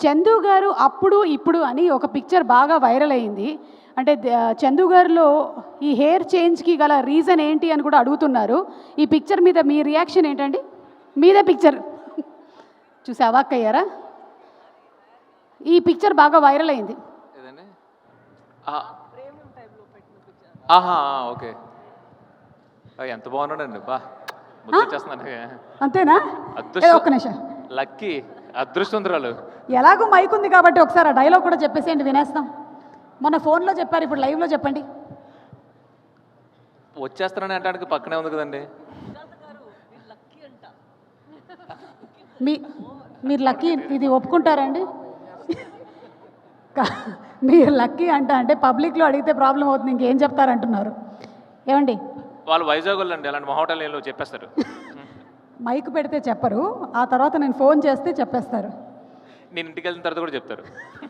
చందు గారు అప్పుడు ఇప్పుడు అని ఒక పిక్చర్ బాగా వైరల్ అయింది. అంటే చందు గారిలో ఈ హెయిర్ చేంజ్కి గల రీజన్ ఏంటి అని కూడా అడుగుతున్నారు. ఈ పిక్చర్ మీద మీ రియాక్షన్ ఏంటండి? మీదే పిక్చర్ చూసి అవాక్కయ్యారా? ఈ పిక్చర్ బాగా వైరల్ అయింది. ఆహా, ఓకే. ఎంత బాగున్నాడండి, బా ముద్దొచ్చేస్తున్నాను. అంతేనా? ఒక్క నిమిషం. లక్కీ అదృష్టవంతురాలు. ఎలాగో మైక్ ఉంది కాబట్టి ఒకసారి ఆ డైలాగ్ కూడా చెప్పేసేయండి, వినేస్తాం. మొన్న ఫోన్లో చెప్పారు, ఇప్పుడు లైవ్లో చెప్పండి. వచ్చేస్తానని అంటానికి పక్కనే ఉంది కదండి. మీరు లక్కీ ఇది ఒప్పుకుంటారండి? మీరు లక్కీ అంటే పబ్లిక్లో అడిగితే ప్రాబ్లం అవుతుంది, ఇంకేం చెప్తారంటున్నారు. ఏమండి, వాళ్ళు వైజాగ్ వాళ్ళు అండి, అలాంటి మహోటల్ చెప్పేస్తారు. మైక్ పెడితే చెప్పరు, ఆ తర్వాత నేను ఫోన్ చేస్తే చెప్పేస్తారు. నేను ఇంటికి వెళ్ళిన తర్వాత కూడా చెప్తారు.